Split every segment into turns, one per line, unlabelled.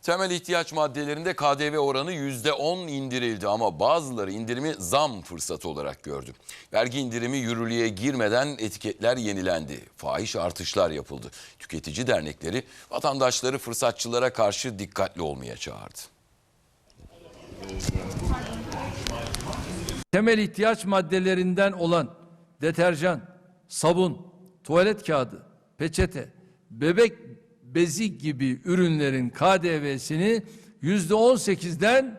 Temel ihtiyaç maddelerinde KDV oranı %10 indirildi ama bazıları indirimi zam fırsatı olarak gördü. Vergi indirimi yürürlüğe girmeden etiketler yenilendi. Fahiş artışlar yapıldı. Tüketici dernekleri vatandaşları fırsatçılara karşı dikkatli olmaya çağırdı.
Temel ihtiyaç maddelerinden olan deterjan, sabun, tuvalet kağıdı, peçete, bebek bezi gibi ürünlerin KDV'sini %18'den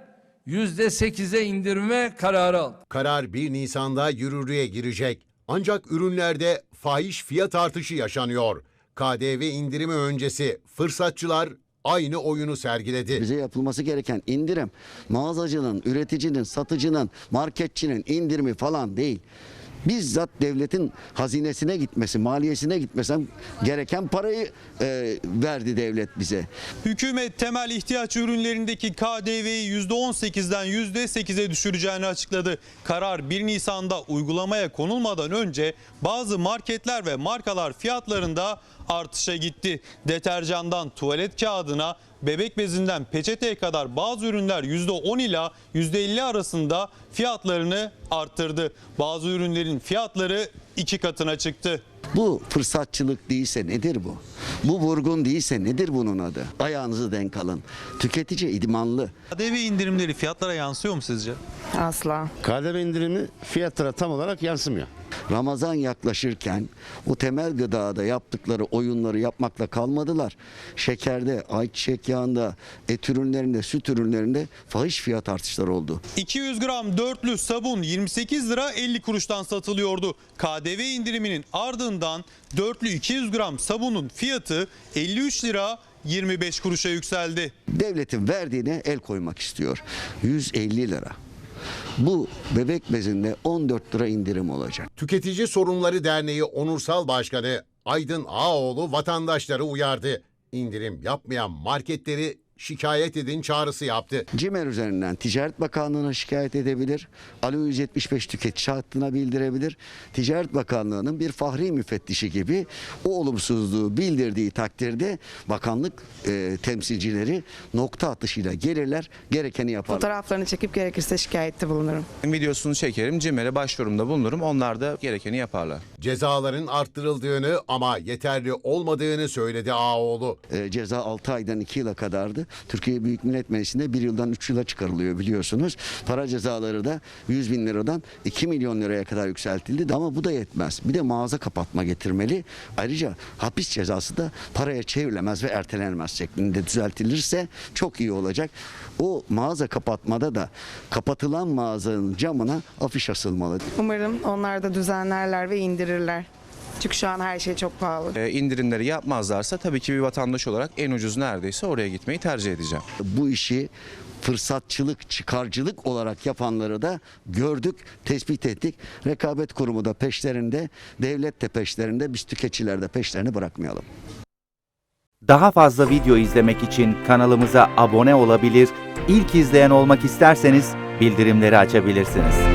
%8'e indirme kararı aldı.
Karar 1 Nisan'da yürürlüğe girecek. Ancak ürünlerde fahiş fiyat artışı yaşanıyor. KDV indirimi öncesi fırsatçılar aynı oyunu sergiledi.
Bize yapılması gereken indirim mağazacının, üreticinin, satıcının, marketçinin indirimi falan değil. Bizzat devletin hazinesine gitmesi, maliyesine gitmesi gereken parayı verdi devlet bize.
Hükümet temel ihtiyaç ürünlerindeki KDV'yi %18'den %8'e düşüreceğini açıkladı. Karar 1 Nisan'da uygulamaya konulmadan önce bazı marketler ve markalar fiyatlarında artışa gitti. Deterjandan tuvalet kağıdına, bebek bezinden peçeteye kadar bazı ürünler %10 ila %50 arasında fiyatlarını arttırdı. Bazı ürünlerin fiyatları 2 katına çıktı.
Bu fırsatçılık değilse nedir bu? Bu vurgun değilse nedir bunun adı? Ayağınızı denk alın. Tüketici idmanlı.
KDV indirimleri fiyatlara yansıyor mu sizce?
Asla.
KDV indirimi fiyatlara tam olarak yansımıyor.
Ramazan yaklaşırken o temel gıdada yaptıkları oyunları yapmakla kalmadılar. Şekerde, ayçiçek yağında, et ürünlerinde, süt ürünlerinde fahiş fiyat artışları oldu.
200 gram dörtlü sabun 28 lira 50 kuruştan satılıyordu. KDV indiriminin ardından dörtlü 200 gram sabunun fiyatı 53 lira 25 kuruşa yükseldi.
Devletin verdiğine el koymak istiyor. 150 lira. Bu bebek bezinde 14 lira indirim olacak.
Tüketici Sorunları Derneği Onursal Başkanı Aydın Ağaoğlu vatandaşları uyardı. İndirim yapmayan marketleri şikayet edin çağrısı yaptı.
CİMER üzerinden Ticaret Bakanlığı'na şikayet edebilir. Alo 175 tüketici hattına bildirebilir. Ticaret Bakanlığı'nın bir fahri müfettişi gibi o olumsuzluğu bildirdiği takdirde bakanlık temsilcileri nokta atışıyla gelirler, gerekeni yaparlar.
Fotoğraflarını çekip gerekirse şikayette bulunurum.
Videosunu çekerim, CİMER'e başvurumda bulunurum. Onlar da gerekeni yaparlar.
Cezaların arttırıldığını ama yeterli olmadığını söyledi Ağaoğlu.
Ceza 6 aydan 2 yıla kadardı. Türkiye Büyük Millet Meclisi'nde 1 yıldan 3 yıla çıkarılıyor biliyorsunuz. Para cezaları da 100 bin liradan 2 milyon liraya kadar yükseltildi. Ama bu da yetmez. Bir de mağaza kapatma getirmeli. Ayrıca hapis cezası da paraya çevrilemez ve ertelenmez şeklinde düzeltilirse çok iyi olacak. O mağaza kapatmada da kapatılan mağazanın camına afiş asılmalı.
Umarım onlar da düzenlerler ve indirirler. Çünkü şu an her şey çok pahalı.
İndirimleri yapmazlarsa tabii ki bir vatandaş olarak en ucuz neredeyse oraya gitmeyi tercih edeceğim.
Bu işi fırsatçılık, çıkarcılık olarak yapanları da gördük, tespit ettik. Rekabet Kurumu da peşlerinde, devlet de peşlerinde, biz tüketiciler de peşlerini bırakmayalım.
Daha fazla video izlemek için kanalımıza abone olabilir, ilk izleyen olmak isterseniz bildirimleri açabilirsiniz.